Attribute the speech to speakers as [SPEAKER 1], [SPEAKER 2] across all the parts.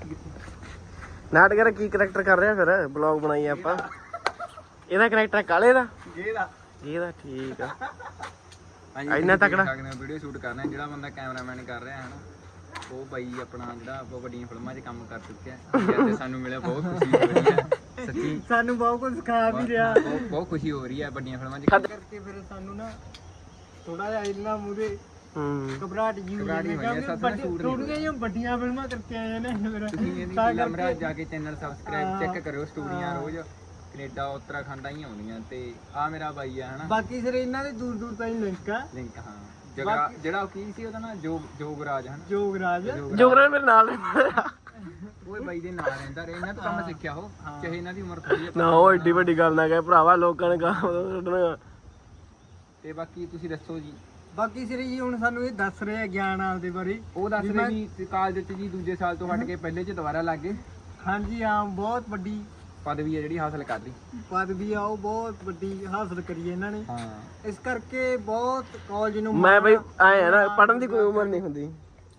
[SPEAKER 1] ਨਾਟਕ ਕੀ ਕਰੈਕਟਰ ਕਰ ਰਿਹਾ ਫਿਰ ਬਲੌਗ ਬਣਾਈ ਆਪਾਂ ਇਹਦਾ ਕਰੈਕਟਰ ਕਾਲੇ ਦਾ ਇਹਦਾ ਠੀਕ ਆ ਇੰਨਾ ਤਕੜਾ
[SPEAKER 2] ਵੀਡੀਓ ਸ਼ੂਟ ਕਰਨਾ ਜਿਹੜਾ ਬੰਦਾ ਕੈਮਰਾਮੈਨ ਕਰ ਰਿਹਾ ਹੈ ਨਾ ਉਹ ਬਾਈ ਆਪਣਾ ਜਿਹੜਾ ਆਪਾਂ ਵੱਡੀਆਂ ਫਿਲਮਾਂ 'ਚ ਕੰਮ ਕਰ ਚੁੱਕਿਆ ਤੇ ਸਾਨੂੰ ਮਿਲਿਆ ਬਹੁਤ ਖੁਸ਼ੀ ਹੋ ਰਹੀ ਹੈ ਸੱਚੀ
[SPEAKER 1] ਸਾਨੂੰ ਬਹੁਤ ਕੁਝ ਸਿਖਾ ਵੀ ਰਿਹਾ
[SPEAKER 2] ਬਹੁਤ ਖੁਸ਼ੀ ਹੋ ਰਹੀ ਹੈ ਵੱਡੀਆਂ ਫਿਲਮਾਂ 'ਚ
[SPEAKER 1] ਕਰਕੇ ਫਿਰ ਸਾਨੂੰ ਨਾ ਥੋੜਾ ਜਿਹਾ ਇੰਨਾ ਮੂਰੇ ਘਬਰਾਹਟ ਜੀ ਥੋੜੀਆਂ ਵੱਡੀਆਂ ਫਿਲਮਾਂ ਕਰਕੇ ਆਏ ਨੇ
[SPEAKER 2] ਫਿਰ ਜਾ ਕੇ ਚੈਨਲ ਸਬਸਕ੍ਰਾਈਬ ਚੈੱਕ ਕਰਿਓ ਸਟੂਡੀਆਂ ਰੋਜ਼ ਕੈਨੇਡਾ ਉੱਤਰਾਖੰਡ ਆਈ ਆਉਂਦੀਆਂ ਤੇ ਆ ਮੇਰਾ ਬਾਈ ਆ ਹਨਾ ਬਾਕੀ ਸਿਰ ਇਹਨਾਂ ਦੇ ਦੂਰ ਦੂਰ ਤਾਈਂ ਲਿੰਕ ਹਾਂ ਜਿਹੜਾ ਕੀ ਸੀ ਉਹਦਾ ਨਾ ਜੋਗਰਾਜ ਹਨਾ ਜੋਗਰਾਜ ਮੇਰੇ ਨਾਲ ਉਹ ਬਾਈ ਦੇ ਨਾਲ ਰਹਿੰਦਾ ਰਿਹਾ ਇਹਨਾਂ ਤੋਂ ਕੰਮ ਸਿੱਖਿਆ ਉਹ ਚਾਹੇ ਇਹਨਾਂ ਦੀ ਉਮਰ ਥੋੜੀ
[SPEAKER 1] ਨਾ ਉਹ ਏਡੀ ਵੱਡੀ ਗੱਲ ਨਾ ਕਹੇ ਭਰਾਵਾ ਲੋਕਾਂ ਨੇ ਕੱਢਣਾ
[SPEAKER 2] ਤੇ ਬਾਕੀ ਤੁਸੀਂ ਦੱਸੋ ਜੀ
[SPEAKER 1] ਬਾਕੀ ਸਿਰ ਜੀ ਹੁਣ ਸਾਨੂੰ ਇਹ ਦੱਸ ਰਹੇ ਆ ਗਿਆਨ ਆਲ ਦੇ ਬਾਰੇ
[SPEAKER 2] ਉਹ ਦੱਸ ਰਹੇ ਜੀ ਕਾਲਜ ਚ ਜੀ ਦੂਜੇ ਸਾਲ ਤੋਂ ਹਟ ਕੇ ਪਹਿਲੇ ਚ ਦੁਬਾਰਾ ਲੱਗ ਗਏ
[SPEAKER 1] ਹਾਂਜੀ ਹਾਂ ਬਹੁਤ ਵੱਡੀ
[SPEAKER 2] ਪਦਵੀ ਹੈ ਜਿਹੜੀ ਹਾਸਲ ਕਰ ਲਈ
[SPEAKER 1] ਪਦਵੀ ਆ ਉਹ ਬਹੁਤ ਵੱਡੀ ਹਾਸਲ ਕਰੀ ਹੈ ਇਹਨਾਂ ਨੇ
[SPEAKER 2] ਹਾਂ
[SPEAKER 1] ਇਸ ਕਰਕੇ ਬਹੁਤ ਕਾਲਜ ਨੂੰ ਮੈਂ ਬਈ ਆਏ ਆ ਨਾ ਪੜਨ ਦੀ ਕੋਈ ਉਮਰ ਨਹੀਂ ਹੁੰਦੀ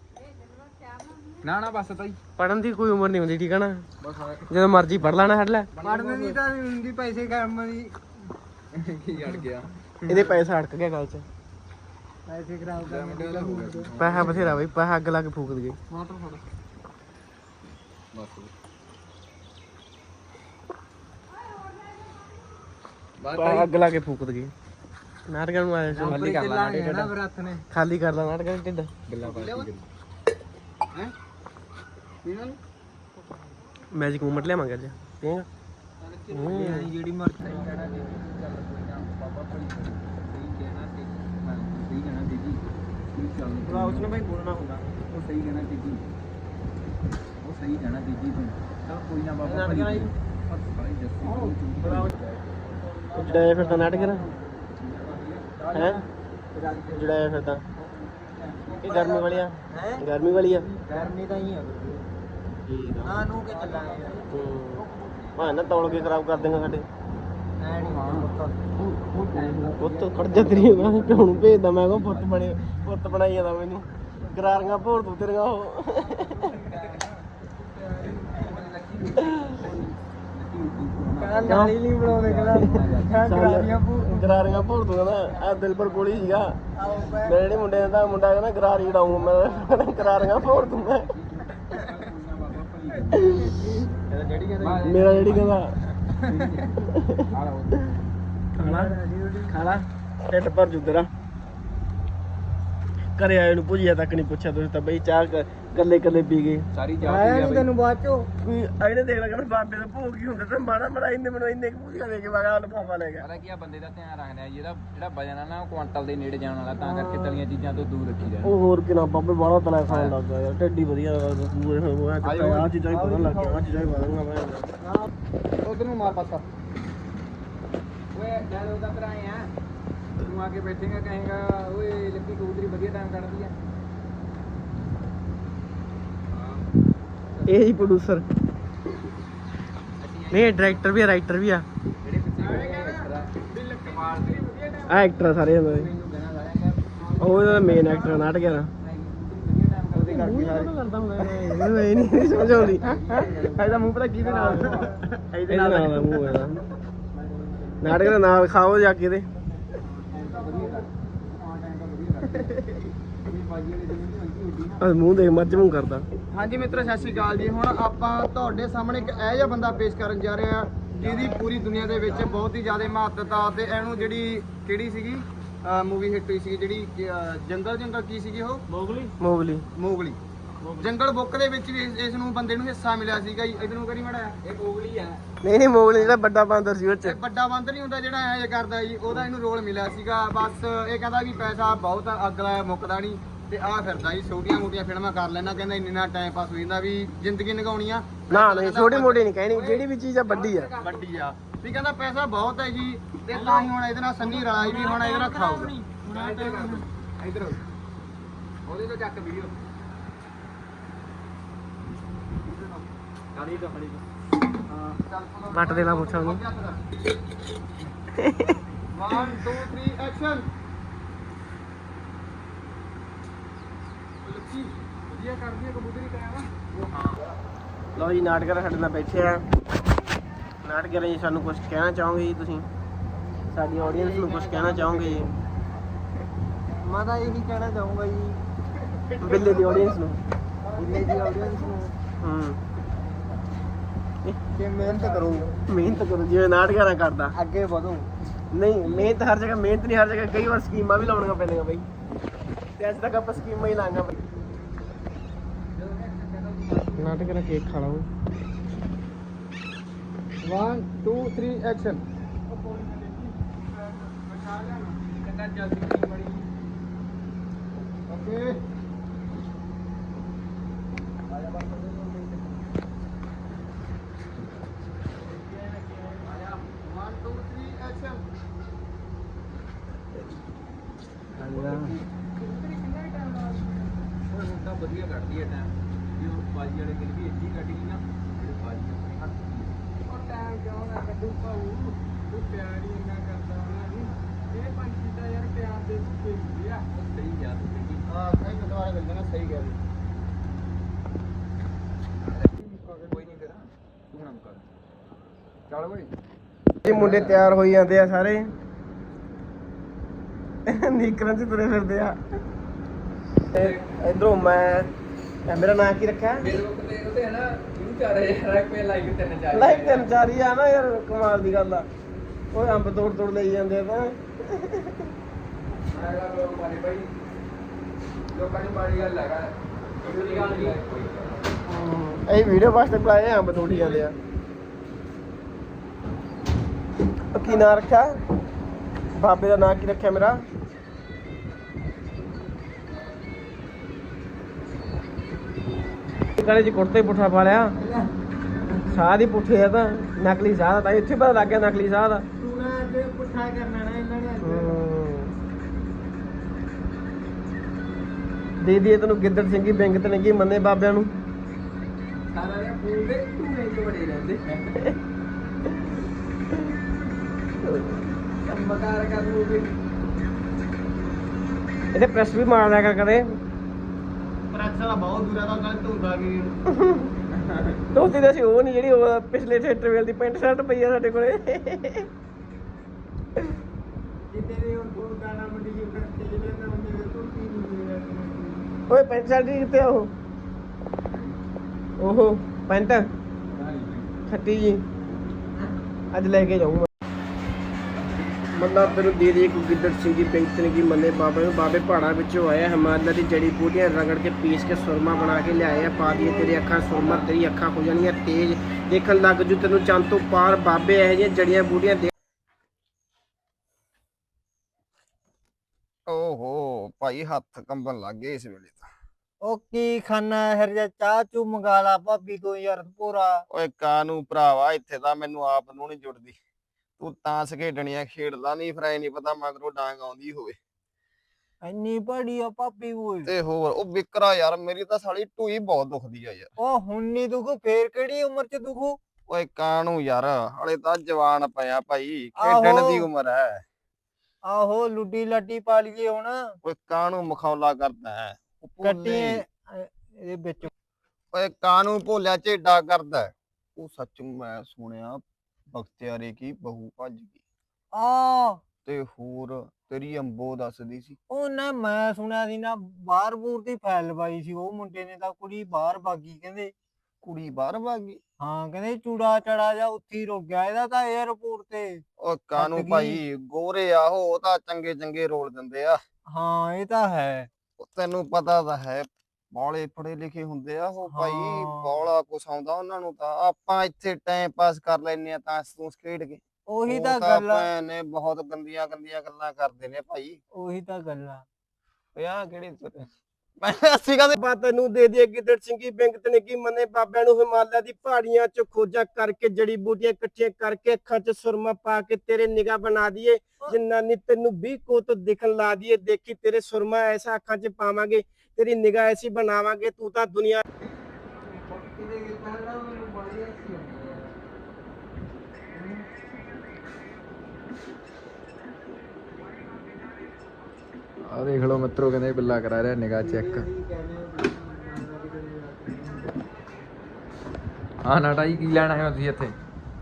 [SPEAKER 2] ਨਾ ਬਸ ਤਾਈ
[SPEAKER 1] ਪੜਨ ਦੀ ਕੋਈ ਉਮਰ ਨਹੀਂ ਹੁੰਦੀ ਠੀਕ ਹੈ ਨਾ ਜਦੋਂ ਮਰਜ਼ੀ ਪੜ ਲੈਣਾ ਹਟ ਲੈ
[SPEAKER 2] ਪੜਨ ਦੀ ਤਾਂ ਨਹੀਂ ਹੁੰਦੀ ਪੈਸੇ ਕੰਮ ਦੀ ਕੀ ਅੜ ਗਿਆ
[SPEAKER 1] ਇਹਦੇ ਪੈਸਾ ਅੜਕ ਗਿਆ ਗੱਲ 'ਚ
[SPEAKER 2] ਪੈਸੇ ਖਰਾਬ ਕਰ
[SPEAKER 1] ਪੈਸਾ ਬਥੇਰਾ ਬਈ ਪੈਸਾ ਅੱਗ ਲਾ ਕੇ ਫੂਕ ਦਈਏ ਪੈਸਾ ਅੱਗ ਲਾ ਕੇ ਫੂਕ ਦਈਏ ਨਾਟਕਾਂ ਨੂੰ ਆਇਆ
[SPEAKER 2] ਖਾਲੀ ਕਰ ਲਾ
[SPEAKER 1] ਖਾਲੀ ਕਰ ਲਾ ਨਾਟਕਾਂ ਦਾ ਢਿੱਡ
[SPEAKER 2] ਗੱਲਾਂ ਪਾਸ ਹੈ
[SPEAKER 1] ਮੈਜਿਕ ਮੂਮੈਂਟ ਲਿਆਵਾਂਗੇ ਅੱਜ ਪੀਏਗਾ
[SPEAKER 2] ਜਿਹੜੀ ਮਰਜ਼ੀ ਕਹਿਣਾ ਜੀ ਚੱਲ ਕੋਈ ਨਾ ਬਾਬਾ ਭਾਈ ਸਹੀ ਕਹਿਣਾ ਤੇ ਸਹੀ ਕਹਿਣਾ ਦੀਦੀ ਕੀ ਚੱਲ
[SPEAKER 1] ਥੋੜਾ ਉਸਨੇ ਭਾਈ ਬੋਲਣਾ ਹੁੰਦਾ
[SPEAKER 2] ਉਹ ਸਹੀ ਕਹਿਣਾ ਦੀਦੀ ਉਹ ਸਹੀ ਕਹਿਣਾ ਦੀਦੀ ਤੂੰ ਚਲ ਕੋਈ ਨਾ ਬਾਬਾ ਭਾਈ
[SPEAKER 1] ਜਿਹੜਾ ਫਿਰ ਤਾਂ ਨਾਟਕ ਹੈ ਜਿਹੜਾ ਫਿਰ ਤਾਂ ਇਹ ਗਰਮੀ ਵਾਲੀ ਆ ਗਰਮੀ ਵਾਲੀ ਆ
[SPEAKER 2] ਗਰਮੀ ਤਾਂ ਹੀ ਆ
[SPEAKER 1] ਠੀਕ ਆ
[SPEAKER 2] ਨਾ ਨੂੰ ਕੇ ਚੱਲਾਂਗੇ
[SPEAKER 1] ਹਾਂ ਨਾ ਤੌਲ ਕੇ ਖਰਾਬ ਕਰ ਦੇਗਾ ਸਾਡੇ
[SPEAKER 2] ਐ ਨਹੀਂ
[SPEAKER 1] ਪੁੱਤ ਖੜ ਜਾ ਤੇਰੀ ਮੈਂ ਪਿਓ ਨੂੰ ਭੇਜਦਾ ਮੈਂ ਕਿਹਾ ਪੁੱਤ ਬਣਾਈ ਜਾਂਦਾ ਮੈਨੂੰ ਗਰਾਰੀਆਂ ਭੋਰ ਤੂੰ ਤੇਰੀਆਂ ਉਹ
[SPEAKER 2] ਨਾਲੀ ਨਹੀਂ ਬਣਾਉਂਦੇ
[SPEAKER 1] ਗਰਾਰੀਆਂ ਭੋਰ ਤੂੰ ਕਹਿੰਦਾ ਆ ਦਿਲ ਪਰ ਗੋਲੀ ਸੀਗਾ ਮੇਰੇ ਜਿਹੜੇ ਮੁੰਡੇ ਦਾ ਮੁੰਡਾ ਕਹਿੰਦਾ ਗਰਾਰੀ ਉਡਾਊਂ ਮੈਂ ਗਰਾਰੀਆਂ ਭੋਰ ਦੂੰ ਮੈਂ ਮੇਰਾ ਜਿਹੜੀ ਕਹਿੰਦਾ ਖਾਲਾ ਢਿੱਡ ਭਰ ਜੂ ਤੇਰਾ ਘਰੇ ਆਏ ਨੂੰ ਭੁਜੀਆ ਤੱਕ ਨਹੀਂ ਪੁੱਛਿਆ ਤੁਸੀਂ ਤਾਂ ਬਈ ਚਾਹ ਕੱਲੇ ਪੀ ਗਏ
[SPEAKER 2] ਸਾਰੀ ਜਾਤੀ
[SPEAKER 1] ਤੈਨੂੰ ਬਾਅਦ ਚੋਂ ਕੋਈ ਇਹਨੇ ਦੇਖ ਲਿਆ ਬਾਬੇ ਦਾ ਭੋਗ ਹੀ ਹੁੰਦਾ ਤੇ ਮਾੜਾ ਇਹਨੇ ਮੈਨੂੰ ਇੰਨੇ ਭੁਜੀਆ ਦੇ ਕੇ ਵਗਾ ਲਫਾਫਾ ਲੈ ਗਿਆ
[SPEAKER 2] ਪਤਾ ਕੀ ਆ ਬੰਦੇ ਦਾ ਧਿਆਨ ਰੱਖਣਾ ਜਿਹੜਾ ਵਜਨ ਆ ਨਾ ਉਹ ਕੁਆਂਟਲ ਦੇ ਨੇੜੇ ਜਾਣ ਵਾਲਾ ਤਾਂ ਕਰਕੇ ਤਲੀਆਂ ਚੀਜ਼ਾਂ ਤੋਂ ਦੂਰ ਰੱਖੀ ਜਾਏ
[SPEAKER 1] ਉਹ ਹੋਰ ਕਿਨਾ ਬਾਬੇ ਬਾਹਲਾ ਤਲਾ ਖਾਣ ਲੱਗ ਗਿਆ ਯਾਰ ਢਿੱਡੀ ਵਧੀਆ ਪੂਰੇ ਹੋਇਆ ਆ ਚੀਜ਼ਾਂ ਹੀ ਵਧਣ ਲੱਗ ਗਿਆ ਆ ਚੀਜ਼ਾਂ ਹੀ ਵਧਣਗਾ ਮੈਂ
[SPEAKER 2] ਉਧਰ ਨੂੰ ਮਾਰ ਪਾਸਾ ਓਏ ਜਦੋਂ ਤੱਕ ਆਏ ਆ ਤੂੰ ਆ ਕੇ ਬੈਠੇਗਾ ਕਹੇਗਾ ਓਏ ਲੱਕੀ ਕਬੂਤਰੀ ਵਧੀਆ ਟਾਈਮ ਕੱਢਦੀ ਆ
[SPEAKER 1] ਇਹ ਹੀ ਪ੍ਰੋਡਿਊਸਰ ਨਹੀਂ ਡਾਇਰੈਕਟਰ ਵੀ ਆ ਰਾਈਟਰ ਵੀ ਆ
[SPEAKER 2] ਜਿਹੜੇ ਪਿੱਛੇ ਕਮਾਲ ਦੀ
[SPEAKER 1] ਆ ਐਕਟਰ ਸਾਰੇ ਹੁੰਦੇ ਉਹ ਇਹਦਾ ਮੇਨ ਐਕਟਰ ਨਾਟਕ ਹੈ ਨਾ ਉਹਦੇ ਕਰਕੇ ਕਰਦਾ ਹੁੰਦਾ ਇਹ ਨਹੀਂ ਸਮਝ ਆਉਂਦੀ ਇਹਦਾ ਮੂੰਹ ਪਤਾ ਕਿਹਦੇ ਨਾਲ ਇਹਦੇ ਨਾਲ ਦਾ ਮੂੰਹ ਇਹਦਾ ਨਾਟਕ ਦਾ ਨਾਮ ਖਾਓ ਜਾ ਕੇ ਇਹਦੇ ਮੂੰਹ ਦੇਖ ਮੱਝ ਮੂੰਹ ਕਰਦਾ।
[SPEAKER 2] ਹਾਂਜੀ ਮਿੱਤਰੋ ਸਤਿ ਸ਼੍ਰੀ ਅਕਾਲ ਜੀ। ਹੁਣ ਆਪਾਂ ਤੁਹਾਡੇ ਸਾਹਮਣੇ ਇੱਕ ਇਹੋ ਜਿਹਾ ਬੰਦਾ ਪੇਸ਼ ਕਰਨ ਜਾ ਰਹੇ ਹਾਂ ਜਿਹਦੀ ਪੂਰੀ ਦੁਨੀਆ ਦੇ ਵਿੱਚ ਬਹੁਤ ਹੀ ਜ਼ਿਆਦਾ ਮਹੱਤਤਾ ਤੇ ਇਹਨੂੰ ਜਿਹੜੀ ਕਿਹੜੀ ਸੀਗੀ ਮੂਵੀ ਹਿੱਟ ਹੋਈ ਸੀ ਜਿਹੜੀ ਜੰਗਲ ਕੀ ਸੀਗੀ ਉਹ ਮੋਗਲੀ ਜੰਗਲ ਬੁੱਕ ਦੇ ਵਿੱਚ ਵੀ ਇਸ ਨੂੰ ਬੰਦੇ ਨੂੰ ਹਿੱਸਾ ਮਿਲਿਆ ਸੀਗਾ ਜੀ। ਇਹਨੂੰ ਕਰੀ ਮੜਾ ਇਹ ਮੋਗਲੀ ਆ
[SPEAKER 1] ਨਹੀਂ ਮੋਗਲੀ ਜਿਹੜਾ ਵੱਡਾ ਬਾਂਦਰ ਸੀ ਉਹ ਚ
[SPEAKER 2] ਵੱਡਾ ਬਾਂਦਰ ਨਹੀਂ ਹੁੰਦਾ ਜਿਹੜਾ ਐਂ ਕਰਦਾ ਜੀ ਉਹਦਾ ਇਹਨੂੰ ਰੋਲ ਮਿਲਿਆ ਸੀਗਾ। ਬਸ ਇਹ ਕਹਿੰਦਾ ਵੀ ਪੈਸਾ ਬਹੁਤ ਅਗਲਾ ਮੁੱਕਦਾ ਨਹੀਂ ਤੇ ਆ ਫਿਰਦਾ ਜੀ ਛੋਟੀਆਂ ਮੋਟੀਆਂ ਫਿਲਮਾਂ ਕਰ ਲੈਣਾ ਕਹਿੰਦਾ ਇੰਨਾ ਟਾਈਮ ਪਾਸ ਹੋ ਜਾਂਦਾ ਵੀ ਜ਼ਿੰਦਗੀ ਨਿਗਾਉਣੀ ਆ
[SPEAKER 1] ਨਾ ਨਹੀਂ ਛੋਟੀ ਮੋਟੀ ਨਹੀਂ ਕਹਿਣੀ ਜਿਹੜੀ ਵੀ ਚੀਜ਼ ਆ ਵੱਡੀ ਆ
[SPEAKER 2] ਵੀ ਕਹਿੰਦਾ ਪੈਸਾ ਬਹੁਤ ਹੈ ਜੀ ਤੇ ਤਾਂ ਹੀ ਹੁਣ ਇਹਦੇ ਨਾਲ ਸੰਨੀ ਰਲਾਈ ਵੀ ਹੁਣ ਇਹਦੇ ਨਾਲ ਖਾਊਗਾ ਇਧਰ ਉਹਦੇ ਤੋਂ ਚੱਕ ਵੀਡੀਓ
[SPEAKER 1] ਵੱਟ ਦੇਣਾ ਪੁੱਛਾਂ ਉਹਨੂੰ
[SPEAKER 2] 1 2 3 ਐਕਸ਼ਨ ਵਧੀਆ ਕਰਦੀ ਹੈ ਕਬੂਤਰੀ ਕਾਇਆ ਵਾ ਉਹ ਹਾਂ
[SPEAKER 1] ਲਓ ਜੀ ਨਾਟਕਰ ਸਾਡੇ ਨਾਲ ਬੈਠੇ ਆ। ਨਾਟਕਰ ਜੀ ਸਾਨੂੰ ਕੁਝ ਕਹਿਣਾ ਚਾਹੋਗੇ ਜੀ ਤੁਸੀਂ? ਸਾਡੀ ਆਡੀਅנס ਨੂੰ ਕੁਝ ਕਹਿਣਾ ਚਾਹੋਗੇ ਜੀ?
[SPEAKER 2] ਮੈਂ ਤਾਂ ਇਹੀ ਕਹਿਣਾ ਚਾਹੂੰਗਾ ਜੀ
[SPEAKER 1] ਬਿੱਲੇ ਦੀ ਆਡੀਅנס ਨੂੰ।
[SPEAKER 2] ਬਿੱਲੇ ਦੀ ਆਡੀਅנס ਨੂੰ ਕਿ ਮਿਹਨਤ ਕਰੋ।
[SPEAKER 1] ਮਿਹਨਤ ਕਰੋ ਜਿਵੇਂ ਨਾਟਕਰਾਂ ਕਰਦਾ।
[SPEAKER 2] ਅੱਗੇ ਵਧੋ।
[SPEAKER 1] ਨਹੀਂ ਮਿਹਨਤ ਹਰ ਜਗ੍ਹਾ, ਮਿਹਨਤ ਨਹੀਂ ਹਰ ਜਗ੍ਹਾ। ਕਈ ਵਾਰ ਸਕੀਮਾਂ ਵੀ ਲਾਉਣੀਆਂ ਪੈਂਦੀਆਂ ਬਈ, ਤੇ ਅੱਜ ਤੱਕ ਆਪਾਂ ਸਕੀਮਾਂ ਹੀ ਲਾਂਗਾ ਬਈ। ਨਾਟਕਰਾਂ ਕੇਕ ਖਾ ਲਓ।
[SPEAKER 2] 1 2 3 ਐਕਸ਼ਨ। ਓਕੇ ਵਧੀਆ ਕੱਢਦੀ ਹੈ ਟਾਈਮ ਵੀ ਉਹ ਬਾਜੀ ਵਾਲੇ ਦਿਨ ਵੀ ਇੱਥੇ ਕੱਢ ਗਈ ਨਾ ਜਿਹੜੇ ਬਾਜੀ ਉਹ ਟਾਈਮ ਕਿਉਂ ਨਾ ਕੱਢੂ ਭਾਊ ਤੂੰ ਪਿਆਰ ਹੀ ਇੰਨਾ ਕਰਦਾ ਉਹਨਾਂ ਨੂੰ ਇਹ ਪੰਛੀ ਤਾਂ ਯਾਰ ਪਿਆਰ ਦੇ ਭੁੱਖੇ ਹੁੰਦੇ ਆ। ਸਹੀ ਗਿਆ ਤੁਸੀਂ। ਹਾਂ ਸਹੀ ਦੁਬਾਰਾ ਮਿਲ ਜਾਣਾ। ਸਹੀ ਗਿਆ ਕੋਈ ਨਹੀਂ ਤੇਰਾ ਤੂੰ ਨਾ ਕਰ ਚੱਲ ਓਏ।
[SPEAKER 1] ਇਹ ਮੁੰਡੇ ਤਿਆਰ ਹੋਈ ਜਾਂਦੇ ਆ ਸਾਰੇ, ਨੀਕਰਾਂ 'ਚ ਤੁਰੇ ਫਿਰਦੇ ਆ। ਇਧਰੋਂ ਮੈਂ ਮੇਰਾ ਨਾਂ ਕੀ ਰੱਖਿਆ?
[SPEAKER 2] ਫੇਸਬੁੱਕ ਤੇ ਉਹਦੇ ਹੈ ਨਾ 4000 ਰੁਪਏ ਲਾਈਕ 3-4
[SPEAKER 1] ਲਾਈਕ 3-4 ਹੀ ਆ ਨਾ ਯਾਰ, ਕਮਾਲ ਦੀ ਗੱਲ ਆ। ਉਹ ਅੰਬ ਤੋੜ ਲਈ ਜਾਂਦੇ ਆ ਤਾਂ।
[SPEAKER 2] ਲੋਕਾਂ ਨੂੰ ਮਾੜੀ ਗੱਲ ਹੈਗਾ ਕੋਈ ਗੱਲ ਨਹੀਂ।
[SPEAKER 1] ਇਹ ਵੀਡੀਓ ਵਾਸਤੇ ਬੁਲਾਏ, ਅੰਬ ਤੋੜੀ ਜਾਂਦੇ ਆ। ਕੀ ਨਾਂ ਰੱਖਿਆ ਬਾਬੇ ਦਾ? ਨਾਂ ਕੀ ਰੱਖਿਆ ਮੇਰਾ? ਗਲੇ 'ਚ ਕੁੜਤੇ ਪੁੱਠਾ ਪਾ ਲਿਆ। ਸਾਹ ਦੀ ਪੁੱਠੇ ਆ ਤਾਂ ਨਕਲੀ ਸਾਹ ਦਾ, ਤਾਂ ਇੱਥੇ ਪਤਾ ਲੱਗ ਗਿਆ ਨਕਲੀ ਸਾਹ ਦਾ।
[SPEAKER 2] ਪੁੱਠਾ ਕਰਨਾ ਨਾ ਇਹਨਾਂ ਨੇ।
[SPEAKER 1] ਦੇ ਦੀਏ ਤੈਨੂੰ ਗਿੱਦੜ ਸਿੰਘੀ ਬਿੰਗ ਤੇ ਲੱਗੀ ਮੰਨੇ ਬਾਬਿਆਂ ਨੂੰ।
[SPEAKER 2] ਸਾਰਾ ਦੇ ਫੂਲ ਦੇ ਧੂਏ ਚ ਬੜੇ ਰਹਿੰਦੇ। ਕੰਮਕਾਰ ਕਰ ਲੂਗੇ।
[SPEAKER 1] ਇਹਦੇ ਪ੍ਰੈਸ ਵੀ ਮਾਰ ਲਿਆ ਕਰ ਕਦੇ।
[SPEAKER 2] ਪ੍ਰੈਸ ਵਾਲਾ ਬਹੁਤ ਦੂਰ ਆ ਤਾਂ ਗਲਤ ਹੁੰਦਾ ਵੀ।
[SPEAKER 1] ਧੋਤੀ ਤਾਂ ਸੀ ਉਹ ਨਹੀਂ, ਜਿਹੜੀ ਉਹ ਪਿਛਲੇ ਥੀਏਟਰ ਵੇਲ ਦੀ ਪੈਂਟ ਸ਼ਰਟ ਪਈ ਆ ਸਾਡੇ ਕੋਲੇ।
[SPEAKER 2] ਜਿੱਤੇ ਦੇ ਉਹ ਗਾਣਾ ਮੰਡੀ ਜੀ ਕਰਕੇ ਜਿਹੜੇ ਨਾ ਉਹਨੇ ਦੇ ਧੋਤੀ ਨਹੀਂ।
[SPEAKER 1] ਓਏ ਪੈਂਟ ਸ਼ਰਟ ਕਿੱਥੇ ਆ ਉਹ? ਓਹੋ ਪੈਂਟ ਖੱਟੀ ਜੀ, ਅੱਜ ਲੈ ਕੇ ਜਾਊਂਗਾ। ਮਤਲਬ ਤੈਨੂੰ ਦੇ ਕੋਈ ਗਿੱਦੜ ਸਿੰਘੀ ਪੈਂਤਨ ਕੀ ਮੰਨੇ ਬਾਬੇ ਨੂੰ। ਬਾਬੇ ਪਹਾੜਾਂ ਵਿੱਚੋਂ ਆਏ, ਹਿਮਾਲਿਆ ਦੀ ਜੜੀ ਬੂਟੀਆਂ ਰਗੜ ਕੇ ਪੀਸ ਕੇ ਸੁਰਮਾ ਬਣਾ ਕੇ ਲਿਆਏ ਆ। ਪਾ ਦੀਏ ਤੇਰੀ ਅੱਖਾਂ ਸੁਰਮਾ, ਤੇਰੀ ਅੱਖਾਂ ਹੋ ਜਾਣੀਆਂ ਤੇਜ਼, ਦੇਖਣ ਲੱਗ ਜੂ ਤੈਨੂੰ ਚੰਦ ਤੋਂ ਪਾਰ। ਬਾਬੇ ਇਹੋ ਜਿਹੀਆਂ ਜੜੀਆਂ ਬੂਟੀਆਂ ਦੇ।
[SPEAKER 2] ਓਹੋ ਭਾਈ ਹੱਥ ਕੰਬਣ ਲੱਗ ਗਏ ਇਸ ਵੇਲੇ ਤਾਂ।
[SPEAKER 3] ਉਹ ਕੀ ਖਾਨਾ ਹਰ ਜਾ ਚਾਹ ਚੂ ਮੰਗਾ ਲਾ ਭਾਬੀ ਤੋਂ ਯਾਰ ਪੂਰਾ।
[SPEAKER 2] ਓਏ ਕਾਨੂੰ ਭਰਾਵਾ, ਇੱਥੇ ਤਾਂ ਮੈਨੂੰ ਆਪ ਨੂੰ ਨਹੀਂ ਜੁੜਦੀ। ਤੂੰ ਤਾਂਸ ਖੇਡਣੀਆਂ ਖੇਡਦਾ ਨਹੀਂ, ਫਿਰ ਐ ਨਹੀਂ ਪਤਾ ਮਗਰੋਂ ਡਾਂਗ ਆਉਂਦੀ ਹੋਵੇ।
[SPEAKER 3] ਇੰਨੀ ਬੜੀ ਆ ਭਾਬੀ ਓਏ।
[SPEAKER 2] ਤੇ ਹੋਰ ਉਹ ਵਿਕਰਾ ਯਾਰ, ਮੇਰੀ ਤਾਂ ਸਾਲੀ ਢੂਈ ਬਹੁਤ ਦੁਖਦੀ ਆ ਯਾਰ।
[SPEAKER 3] ਉਹ ਹੁਣ ਨੀ ਦੁਖੂ, ਫੇਰ ਕਿਹੜੀ ਉਮਰ ਚ ਦੁਖੂ?
[SPEAKER 2] ਓਏ ਕਾਨੂੰ ਯਾਰ, ਹਲੇ ਤਾਂ ਜਵਾਨ ਪਿਆ ਭਾਈ, ਖੇਡਣ ਦੀ ਉਮਰ ਹੈ।
[SPEAKER 3] ਆਹੋ ਲੁੱਡੀ ਲਾਡੀ ਪਾ ਲਈਏ ਹੁਣ।
[SPEAKER 2] ਓਏ ਕਾਨੂੰ ਮਖੌਲਾ ਕਰਦਾ ਹੈ?
[SPEAKER 3] ਕੱਟੀ ਇਹਦੇ ਵਿੱਚ।
[SPEAKER 2] ਓਏ ਕਾਨੂੰ ਭੋਲਿਆ ਝੇਡਾ ਕਰਦਾ। ਉਹ ਸੱਚ ਮੈਂ ਸੁਣਿਆ ਬਖਤਿਆਰੇ ਕੀ ਬਹੂ ਭੱਜ ਗਈ।
[SPEAKER 3] ਆ
[SPEAKER 2] ਤੇ ਹੋਰ ਤੇਰੀ ਅੰਬੋ ਦੱਸਦੀ ਸੀ।
[SPEAKER 3] ਉਹ ਨਾ ਮੈਂ ਸੁਣਿਆ ਸੀ ਨਾ, ਬਾਹਰ ਬੂਰ ਦੀ ਫੈਲ ਲਵਾਈ ਸੀ ਉਹ ਮੁੰਡੇ ਨੇ, ਤਾਂ ਕੁੜੀ ਬਾਹਰ ਭਾਗੀ ਕਹਿੰਦੇ।
[SPEAKER 2] ਕੁੜੀ ਬਾਹਰ ਭੱਜ ਗਈ?
[SPEAKER 3] ਹਾਂ ਕਹਿੰਦੇ ਚੂੜਾ ਚੜਾ ਜਾ ਉੱਥੇ ਹੀ ਰੁਕ ਗਿਆ ਇਹਦਾ ਤਾਂ 에어ਪੋਰਟ ਤੇ।
[SPEAKER 2] ਓ ਕਾਨੂੰ ਭਾਈ ਗੋਰੇ ਆ ਉਹ ਤਾਂ ਚੰਗੇ ਚੰਗੇ ਰੋਲ ਦਿੰਦੇ ਆ।
[SPEAKER 3] ਹਾਂ ਇਹ ਤਾਂ ਹੈ।
[SPEAKER 2] ਤੈਨੂੰ ਪਤਾ ਤਾਂ ਹੈ ਬਾਲੇ ਪੜੇ ਲਿਖੇ ਹੁੰਦੇ ਆ ਉਹ ਭਾਈ, ਬਾਲਾ ਕੁਛ ਆਉਂਦਾ ਉਹਨਾਂ ਨੂੰ। ਤਾਂ ਆਪਾਂ ਇੱਥੇ ਟਾਈਮ ਪਾਸ ਕਰ ਲੈਨੇ ਆ ਤਾਂ ਤੂੰ ਖੇਡ ਕੇ।
[SPEAKER 3] ਉਹੀ ਤਾਂ ਗੱਲ ਆ।
[SPEAKER 2] ਨੇ ਬਹੁਤ ਗੰਦੀਆਂ ਗੰਦੀਆਂ ਗੱਲਾਂ ਕਰਦੇ ਨੇ ਭਾਈ।
[SPEAKER 3] ਉਹੀ ਤਾਂ ਗੱਲ ਆ।
[SPEAKER 2] ਆ ਕਿਹੜੀ ਮੈਂ ਅਸੀਂ ਕਹਦੇ
[SPEAKER 1] ਤੈਨੂੰ ਦੇ ਦੀਏ ਗਿੱਦੜ ਸਿੰਘੀ ਬਿੰਗ ਤੇ ਲੱਗੀ ਮੰਨੇ ਬਾਬਿਆਂ ਨੂੰ। ਹਿਮਾਲਿਆ ਦੀ ਪਹਾੜੀਆਂ ਚ ਖੋਜਾਂ ਕਰਕੇ, ਜੜੀ ਬੂਟੀਆਂ ਇਕੱਠੀਆਂ ਕਰਕੇ, ਅੱਖਾਂ ਚ ਸੁਰਮਾ ਪਾ ਕੇ ਤੇਰੇ ਨਿਗਾਹ ਬਣਾ ਦਈਏ। ਜਿੰਨਾ ਨੀ ਤੈਨੂੰ 20 ਕੋਤ ਦਿਖਣ ਲਾ ਦਈਏ। ਦੇਖੀ ਤੇਰੇ ਸੁਰਮਾ ਐਸਾ ਅੱਖਾਂ ਚ ਪਾਵਾਂਗੇ, ਤੇਰੀ ਨਿਗਾਹ ਐਸੀ ਬਣਾਵਾਂਗੇ, ਤੂੰ ਤਾਂ ਦੁਨੀਆ।
[SPEAKER 4] ਆ ਦੇਖ ਲਓ ਮਿੱਤਰੋ, ਕਹਿੰਦੇ ਬਿੱਲਾ ਕਰਾ ਰਿਹਾ ਨਿਗਾਹ ਚੈੱਕ। ਹਾਂ ਨਾਟਾ ਜੀ ਕੀ ਲੈਣ ਆਏ ਹੋ ਤੁਸੀਂ ਇੱਥੇ?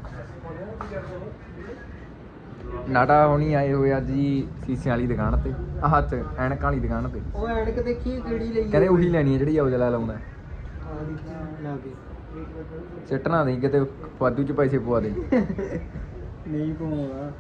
[SPEAKER 4] ਨਾਟਾ ਹੁਣੀ ਆਏ ਹੋਏ ਅੱਜ ਜੀ ਸੀਸਿਆਂ ਵਾਲੀ ਦੁਕਾਨ ਤੇ, ਆਹ ਚ ਐਨਕਾਂ ਵਾਲੀ ਦੁਕਾਨ ਤੇ।
[SPEAKER 3] ਉਹ ਐਨਕ ਦੇਖੀ ਕਿਹੜੀ ਲਈ
[SPEAKER 4] ਕਹਿੰਦੇ ਉਹੀ ਲੈਣੀ ਹੈ ਜਿਹੜੀ ਔਜਲਾ ਲਾਉਂਦਾ।
[SPEAKER 3] ਲਾ ਕੇ
[SPEAKER 4] ਸਿੱਟਣਾ ਨਹੀਂ ਕਿਤੇ ਵਾਧੂ ਚ ਪੈਸੇ ਪਵਾ ਦੇ।
[SPEAKER 3] ਨਹੀਂ ਘੁਮਾਉਣਾ।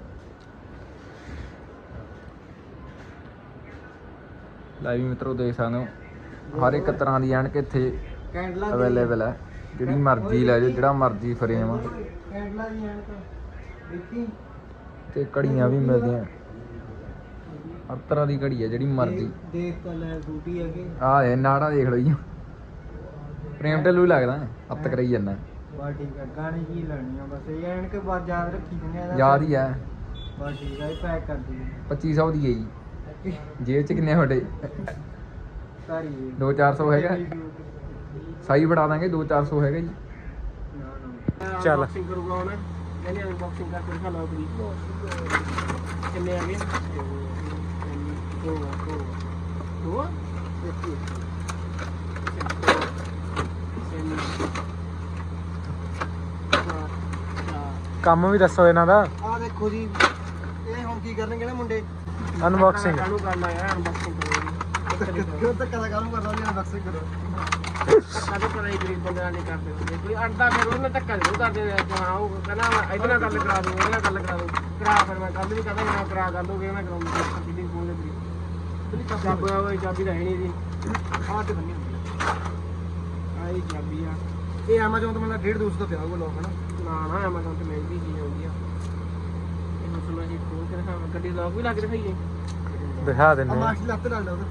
[SPEAKER 4] ਲੈ ਵੀ ਮਿੱਤਰੋ ਦੇਖ ਸਕਦੇ ਹੋ ਹਰ ਇੱਕ ਤਰ੍ਹਾਂ ਦੀ ਐਨਕ ਇੱਥੇ
[SPEAKER 3] ਕੈਂਡਲਾਂ
[SPEAKER 4] ਅਵੇਲੇਬਲ ਹੈ, ਜਿਹੜੀ ਮਰਜ਼ੀ ਲੈ ਜਾਓ, ਜਿਹੜਾ ਮਰਜ਼ੀ ਫਰੇਮ ਆ।
[SPEAKER 3] ਕੈਂਡਲਾਂ ਦੀ ਐਨਕ ਦੇਖੀ
[SPEAKER 4] ਤੇ ਘੜੀਆਂ ਵੀ ਮਿਲਦੀਆਂ, ਹਰ ਤਰ੍ਹਾਂ ਦੀ ਘੜੀ ਹੈ ਜਿਹੜੀ ਮਰਜ਼ੀ।
[SPEAKER 3] ਦੇਖ ਤਾਂ ਲੈ ਬੂਟੀ ਹੈਗੇ
[SPEAKER 4] ਆਹ ਇਹ ਨਾੜਾ ਦੇਖ ਲਓ ਜੀ, ਪ੍ਰੇਮ ਢਿੱਲੂ ਹੀ ਲੱਗਦਾ, ਹੱਥ ਕਰਾਈ ਜਾਂਦਾ।
[SPEAKER 3] ਬਾ ਠੀਕ ਹੈ, ਗਾਣੇ ਕੀ ਲੈਣੀ ਆ ਬਸ ਇਹ ਐਨਕ ਬਾਅਦ ਯਾਦ ਰੱਖੀ ਜਨੇ
[SPEAKER 4] ਯਾਦ ਹੀ ਹੈ।
[SPEAKER 3] ਬਾ ਠੀਕ ਹੈ, ਪੈਕ ਕਰ ਦੀ
[SPEAKER 4] 2500 ਦੀ ਹੈ ਜੀ। ਜੇਬ ਚ ਕਿੰਨੇ ਤੁਹਾਡੇ?
[SPEAKER 3] ਸਾਰੀ
[SPEAKER 4] 2-400 ਹੈਗਾ, ਸਾਈ ਫੜਾ ਦਾਂਗੇ। 2-400 ਹੈਗਾ ਜੀ।
[SPEAKER 1] ਚੱਲ ਅਨਬਾਕਸਿੰਗ ਕਰੂਗਾ ਹੁਣ, ਕਹਿੰਦੇ ਅਨਬਾਕਸਿੰਗ ਕਰਕੇ ਦਿਖਾ ਲਓ ਆਪਣੀ ਕਿੰਨੇ ਆ ਗਏ। ਦੋ ਕੰਮ ਵੀ ਦੱਸੋ ਇਹਨਾਂ ਦਾ।
[SPEAKER 2] ਆਹ ਦੇਖੋ ਜੀ, ਇਹ ਹੁਣ ਕੀ ਕਰਨਗੇ ਨਾ ਮੁੰਡੇ?
[SPEAKER 1] ਅਨਬਾਕਸਿੰਗ ਕਾਹਨੂੰ ਕਰਨਾ ਯਾਰ, ਅਨਬਾਕਸਿੰਗ
[SPEAKER 2] ਕਿਉਂ ਧੱਕਾ ਦਾ ਕਾਹਨੂੰ ਕਰਦਾ? ਅਨਬਾਕਸਿੰਗ ਕਰੋ।
[SPEAKER 1] ਧੱਕਾ ਤਾਂ ਪਤਾ ਹੀ ਗਰੀਬ ਬੰਦੇ ਨਾਲ ਨਹੀਂ ਕਰਦੇ ਹੁੰਦੇ, ਕੋਈ ਅੜਦਾ ਫਿਰ ਉਹਨੇ ਧੱਕਾ ਜ਼ਰੂਰ ਕਰਦੇ ਨੇ। ਹਾਂ ਉਹ ਕਹਿੰਦਾ ਮੈਂ ਇਹਦੇ ਨਾਲ ਗੱਲ ਕਰਾ ਦੂੰ, ਇਹਦੇ ਨਾਲ ਗੱਲ ਕਰਾ ਦੂੰ, ਕਰਾ ਫਿਰ ਮੈਂ ਕੱਲ ਵੀ ਕਹਿੰਦਾ ਮੈਂ ਕਰਾ ਕਰ ਦੋਗੇ, ਮੈਂ ਕਰਾਉਂਗਾ ਬਿਲਿੰਗ ਫੋਨ ਦੇ ਚਾਬੀ ਤਾਂ ਹੈ ਨਹੀਂ ਜੀ।
[SPEAKER 2] ਆਹ ਤੇ ਬੰਨੀ ਹੁੰਦੀ ਆ।
[SPEAKER 1] ਆਹੀ ਚਾਬੀ ਆ।
[SPEAKER 2] ਇਹ ਐਮਾਜ਼ੋਨ ਤੋਂ ਮਤਲਬ 150 ਦਾ ਪਿਆ ਹੋਊਗਾ ਲੋਕ ਹਨਾ।
[SPEAKER 1] ਨਾ ਐਮਾਜ਼ੋਨ ਤੇ ਮਹਿੰਗੀ ਚੀਜ਼ ਆਉਂਦੀ ਆ। ਇਹਨੂੰ ਸੁਣਾ ਜੀ ਖੋਲ ਕੇ ਦਿਖਾਵਾਂ, ਗੱਡੀ ਲੋਕ ਵੀ ਲਾ ਕੇ ਦਿਖਾਈਏ।
[SPEAKER 3] ਦਿਖਾ
[SPEAKER 2] ਆ ਮਾਸਕ ਲੱਤ ਲੱਗਦਾ ਉਹਦਾ।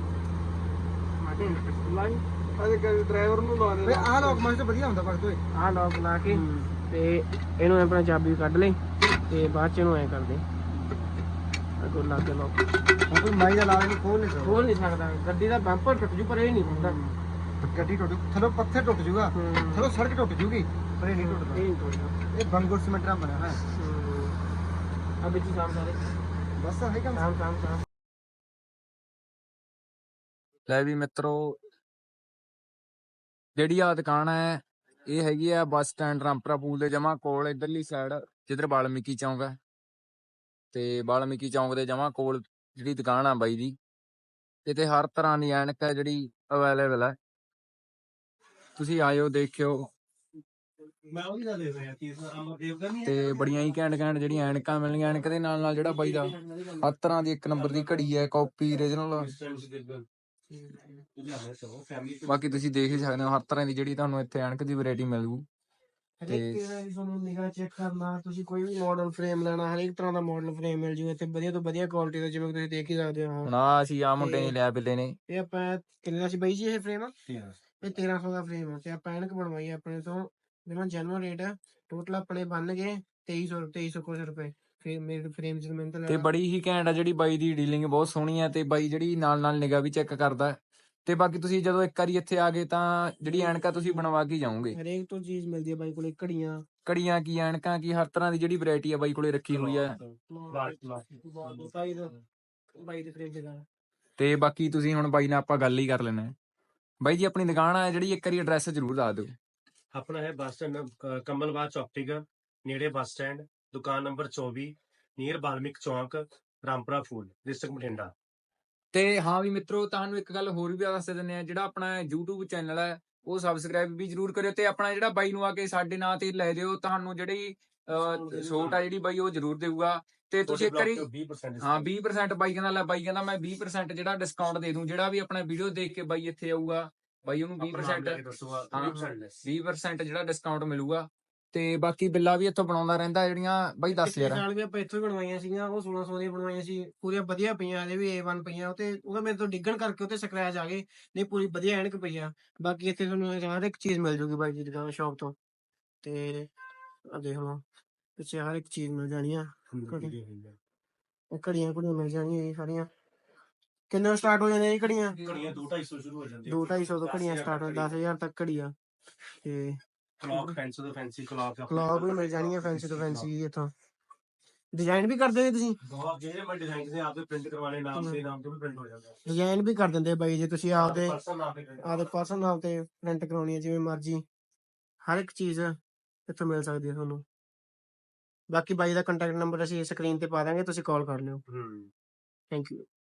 [SPEAKER 1] ਲਾਈ
[SPEAKER 2] ਅਜੇ ਡਰਾਈਵਰ ਨੂੰ ਲਾ ਦੇ। ਆਹ ਲੋਕ ਮਾਸਕ ਵਧੀਆ ਹੁੰਦਾ ਭਗਤ ਓਏ।
[SPEAKER 1] ਆਹ ਲੋਕ ਲਾ ਕੇ ਤੇ ਇਹਨੂੰ ਆਪਣਾ ਚਾਬੀ ਕੱਢ ਲੈ ਤੇ ਬਾਅਦ ਚ ਇਹਨੂੰ ਐ ਕਰ ਦੇ ਅੱਗੋਂ ਲਾ ਕੇ ਲੋਕ।
[SPEAKER 2] ਹੁਣ ਕੋਈ ਮਾਈ ਦਾ ਲਾ ਨਹੀਂ ਖੋਲ ਨਹੀਂ ਸਕਦਾ।
[SPEAKER 1] ਖੋਲ ਨਹੀਂ ਸਕਦਾ, ਗੱਡੀ ਦਾ ਬੰਪਰ ਟੁੱਟ ਜੂ ਪਰ ਇਹ ਨਹੀਂ ਹੁੰਦਾ।
[SPEAKER 2] ਗੱਡੀ ਟੁੱਟ ਥੱਲੋਂ ਪੱਥਰ ਟੁੱਟ ਜੂਗਾ, ਥੱਲੋਂ ਸੜਕ ਟੁੱਟ ਜੂਗੀ ਪਰ ਇਹ ਨਹੀਂ
[SPEAKER 1] ਇਹ
[SPEAKER 2] ਟੁੱਟਦਾ।
[SPEAKER 1] ਨਹੀਂ ਟੁੱਟਦਾ।
[SPEAKER 2] ਇਹ ਬੰਗੁਰ ਸੀਮੈਂਟ ਨਾਲ ਬਣਿਆ ਹੋਇਆ।
[SPEAKER 1] ਆ ਵਿੱਚ ਹੀ ਸਾਮ ਸਾਰੇ
[SPEAKER 2] ਬਸ ਆਹੀ ਕੰਮ।
[SPEAKER 1] ਸਾਮ
[SPEAKER 4] ਲੈ ਵੀ ਮਿੱਤਰੋ, ਜਿਹੜੀ ਆ ਦੁਕਾਨ ਹੈ ਇਹ ਹੈਗੀ ਆ ਬੱਸ ਸਟੈਂਡ ਰਾਮਪੁਰਾ ਪੂਲ ਦੇ ਜਮਾ ਕੋਲ, ਇਧਰਲੀ ਸਾਈਡ ਜਿੱਧਰ ਵਾਲਮੀਕੀ ਚੌਂਕ ਹੈ। ਤੇ ਵਾਲਮੀਕੀ ਚੌਂਕ ਦੇ ਜਮਾ ਕੋਲ ਜਿਹੜੀ ਦੁਕਾਨ ਆ ਬਾਈ ਦੀ, ਇੱਥੇ ਹਰ ਤਰ੍ਹਾਂ ਦੀ ਐਨਕ ਹੈ ਜਿਹੜੀ ਅਵੇਲੇਬਲ ਹੈ। ਤੁਸੀਂ ਆਇਓ ਦੇਖਿਓ। ਤੇ ਬੜੀਆਂ ਹੀ ਘੈਂਟ ਜਿਹੜੀਆਂ ਐਨਕਾਂ ਮਿਲਣਗੀਆਂ। ਐਨਕ ਦੇ ਨਾਲ ਨਾਲ ਜਿਹੜਾ ਬਾਈ ਦਾ ਹਰ ਤਰ੍ਹਾਂ ਦੀ 1 ਨੰਬਰ ਦੀ ਘੜੀ ਹੈ, ਕਾਪੀ ਓਰੀਜਨਲ। ਬਾਕੀ ਤੁਸੀਂ ਦੇਖ ਹੀ ਸਕਦੇ ਹੋ ਹਰ ਤਰ੍ਹਾਂ ਦੀ ਜਿਹੜੀ ਤੁਹਾਨੂੰ ਇੱਥੇ ਐਨਕ ਦੀ ਵੈਰਾਈਟੀ ਮਿਲੂ।
[SPEAKER 1] ਹਰੇਕ ਤਰ੍ਹਾਂ ਦੀ ਤੁਹਾਨੂੰ ਨਿਗਾਹ ਚੈੱਕ ਕਰਨਾ, ਤੁਸੀਂ ਕੋਈ ਵੀ ਮਾਡਲ ਫਰੇਮ ਲੈਣਾ, ਹਰੇਕ ਤਰ੍ਹਾਂ ਦਾ ਮਾਡਲ ਫਰੇਮ ਮਿਲ ਜੂ ਇੱਥੇ, ਵਧੀਆ ਤੋਂ ਵਧੀਆ ਕੁਆਲਿਟੀ ਦਾ, ਜਿਵੇਂ ਤੁਸੀਂ ਦੇਖ ਹੀ ਸਕਦੇ ਹੋ।
[SPEAKER 4] ਹੁਣ ਆ ਅਸੀਂ ਆ ਮੁੰਡੇ ਨੇ ਲਿਆ ਬਿੱਲੇ ਨੇ।
[SPEAKER 1] ਇਹ ਆਪਾਂ ਕਿੰਨੇ ਦਾ ਸੀ ਬਾਈ ਜੀ ਇਹ ਫਰੇਮ? ਇਹ 1300 ਦਾ ਫਰੇਮ ਆ। ਤੇ ਆਪਾਂ ਐਨਕ ਬਣਵਾਈ ਆਪਣੇ ਤੋਂ ਜਿਵੇਂ ਜੈਨੂਅਲ ਰੇਟ ਆ। ਟੋਟਲ ਆਪਣੇ ਬਣ ਗਏ 2300 ਕੁਝ ਰੁਪਏ। ਫਿਰ ਮੇਰੇ ਫਰੇਮ ਚ ਮਿਹਨਤ
[SPEAKER 4] ਤੇ ਬੜੀ ਹੀ ਘੈਂਟ ਆ ਜਿਹੜੀ ਬਾਈ ਦੀ ਡੀਲਿੰਗ ਬਹੁਤ ਸੋਹਣੀ ਹੈ। ਤੇ ਬਾਈ ਜਿਹੜੀ ਨਾਲ ਨਾਲ ਨਿਗਾਹ ਵੀ ਚੈੱਕ ਕਰਦਾ। ਤੇ ਬਾਕੀ ਤੁਸੀਂ ਜਦੋਂ ਇੱਕ ਵਾਰੀ ਇੱਥੇ ਆ ਗਏ ਤਾਂ ਜਿਹੜੀ ਐਨਕਾਂ ਤੁਸੀਂ ਬਣਵਾ ਕੇ ਜਾਓਗੇ।
[SPEAKER 1] ਹਰੇਕ ਤੋਂ ਚੀਜ਼ ਮਿਲਦੀ ਹੈ ਬਾਈ ਕੋਲੇ,
[SPEAKER 4] ਘੜੀਆਂ ਕੀ ਐਨਕਾਂ ਕੀ ਹਰ ਤਰ੍ਹਾਂ ਦੀ ਜਿਹੜੀ ਵੈਰਾਈਟੀ ਆ ਬਾਈ ਕੋਲੇ ਰੱਖੀ ਹੋਈ ਹੈ।
[SPEAKER 1] ਬਾਈ ਦੇ ਫਰੇਮ ਚ।
[SPEAKER 4] ਤੇ ਬਾਕੀ ਤੁਸੀਂ ਹੁਣ ਬਾਈ ਨਾਲ ਆਪਾਂ ਗੱਲ ਹੀ ਕਰ ਲੈਣਾ। ਬਾਈ ਜੀ ਆਪਣੀ ਦੁਕਾਨ ਆ ਜਿਹੜੀ, ਇੱਕ ਵਾਰੀ ਐਡਰੈਸ ਜ਼ਰੂਰ ਦੱਸ ਦਿਓ।
[SPEAKER 5] ਆਪਣਾ ਹੈ ਬੱਸ ਸਟੈਂਡ ਕਮਲਵਾਚ ਆਪਟੀਕਲ ਨੇੜੇ ਬੱਸ ਸਟੈਂਡ, ਦੁਕਾਨ ਨੰਬਰ 24 ਨੀਅਰ ਬਾਲਮਿਕ ਚੌਂਕ, ਰਾਮਪੁਰਾ ਫੂਲ, ਡਿਸਟ੍ਰਿਕਟ ਬਠਿੰਡਾ।
[SPEAKER 4] ਤੇ ਹਾਂ ਵੀ ਮਿੱਤਰੋ, ਤੁਹਾਨੂੰ ਇੱਕ ਗੱਲ ਹੋਰ ਵੀ ਦੱਸ ਦਿੰਦੇ ਆ, ਜਿਹੜਾ ਆਪਣਾ YouTube ਚੈਨਲ ਹੈ ਉਹ ਸਬਸਕ੍ਰਾਈਬ ਵੀ ਜਰੂਰ ਕਰਿਓ। ਤੇ ਆਪਣਾ ਜਿਹੜਾ ਬਾਈ ਨੂੰ ਆ ਕੇ ਸਾਡੇ ਨਾਂ ਤੇ ਲੈ ਦਿਓ, ਤੁਹਾਨੂੰ ਜਿਹੜੀ ਛੋਟ ਆ ਜਿਹੜੀ ਬਾਈ ਉਹ ਜ਼ਰੂਰ ਦੇਊਗਾ। ਤੇ ਤੁਸੀਂ ਇੱਕ ਵਾਰੀ 20% ਬਾਈ ਕਹਿੰਦਾ ਲੈ, ਬਾਈ ਕਹਿੰਦਾ ਮੈਂ 20% ਜਿਹੜਾ ਡਿਸਕਾਊਂਟ ਦੇ ਦੂੰ, ਜਿਹੜਾ ਵੀ ਆਪਣਾ ਵੀਡੀਓ ਦੇਖ ਕੇ ਬਾਈ ਇੱਥੇ ਆਊਗਾ, ਬਾਈ ਉਹਨੂੰ 20% ਜਿਹੜਾ ਡਿਸਕਾਊਂਟ ਮਿਲੂਗਾ। ਤੇ ਬਾਕੀ ਬਿੱਲਾ ਵੀ ਇੱਥੋਂ ਬਣਾਉਂਦਾ ਰਹਿੰਦਾ ਜਿਹੜੀਆਂ ਬਾਈ ਦੱਸ ਯਾਰ।
[SPEAKER 1] ਨਾਲ ਵੀ ਆਪਾਂ ਇੱਥੋਂ ਹੀ ਬਣਵਾਈਆਂ ਸੀਗੀਆਂ, ਉਹ 1600 ਦੀਆਂ ਬਣਵਾਈਆਂ ਸੀ, ਪੂਰੀਆਂ ਵਧੀਆ ਪਈਆਂ, ਹਜੇ ਵੀ A1 ਪਈਆਂ। ਉਹਦਾ ਮੇਰੇ ਤੋਂ ਡਿੱਗਣ ਕਰਕੇ ਉੱਤੇ ਸਕ੍ਰੈਚ ਆ ਗਏ, ਨਹੀਂ ਪੂਰੀ ਵਧੀਆ ਐਨਕ ਪਈ ਆ। ਬਾਕੀ ਇੱਥੇ ਤੁਹਾਨੂੰ ਹਰ ਇੱਕ ਚੀਜ਼ ਮਿਲ ਜੂਗੀ ਬਾਈ ਦੀ ਦੁਕਾਨ ਸ਼ੌਪ ਤੋਂ। ਤੇ ਆ ਦੇਖ ਲਓ ਪਿੱਛੇ ਹਰ ਇੱਕ ਚੀਜ਼ ਮਿਲ ਜਾਣੀ ਆ। ਘੜੀਆਂ ਮਿਲ ਜਾਣੀਆਂ ਸਾਰੀਆਂ। ਕਿੰਨੇ ਸਟਾਰਟ ਹੋ ਜਾਂਦੀਆਂ ਇਹ ਘੜੀਆਂ?
[SPEAKER 5] 2-250 ਸ਼ੁਰੂ ਹੋ ਜਾਂਦੀ
[SPEAKER 1] 2-250 ਤੋਂ ਘੜੀਆਂ ਸਟਾਰਟ ਹੋ, 10,000 ਤੱਕ ਘੜੀ ਆ। ਤੇ
[SPEAKER 5] ਕਲੌਕ ਫੈਂਸੀ ਤੋਂ ਫੈਂਸੀ
[SPEAKER 1] ਕਲੌਕ ਵੀ ਮਿਲ ਜਾਣੀ ਹੈ, ਫੈਂਸੀ ਤੋਂ ਫੈਂਸੀ। ਇੱਥੋਂ ਡਿਜ਼ਾਈਨ ਵੀ ਕਰਦੇ ਨੇ ਤੁਸੀਂ?
[SPEAKER 5] ਬਹੁਤ ਜਿਹੜੇ ਮੈਂ ਡਿਜ਼ਾਈਨ ਦੇ ਆਪਦੇ ਪ੍ਰਿੰਟ ਕਰਵਾਣੇ, ਨਾਮ ਦੇ ਨਾਮ ਤੋਂ ਵੀ ਪ੍ਰਿੰਟ ਹੋ ਜਾਂਦਾ।
[SPEAKER 1] ਡਿਜ਼ਾਈਨ ਵੀ ਕਰ ਦਿੰਦੇ ਬਾਈ ਜੇ ਤੁਸੀਂ ਆਪਦੇ ਪਰਸਨ ਨਾਮ ਤੇ ਪ੍ਰਿੰਟ ਕਰਾਉਣੀ ਹੈ, ਜਿਵੇਂ ਮਰਜ਼ੀ ਹਰ ਇੱਕ ਚੀਜ਼ ਇੱਥੋਂ ਮਿਲ ਸਕਦੀ ਹੈ ਤੁਹਾਨੂੰ। ਬਾਕੀ ਬਾਈ ਦਾ ਕੰਟੈਕਟ ਨੰਬਰ ਅਸੀਂ ਸਕਰੀਨ ਤੇ ਪਾ ਦਾਂਗੇ, ਤੁਸੀਂ ਕਾਲ ਕਰ ਲਿਓ।
[SPEAKER 5] ਹੂੰ
[SPEAKER 1] ਥੈਂਕ ਯੂ।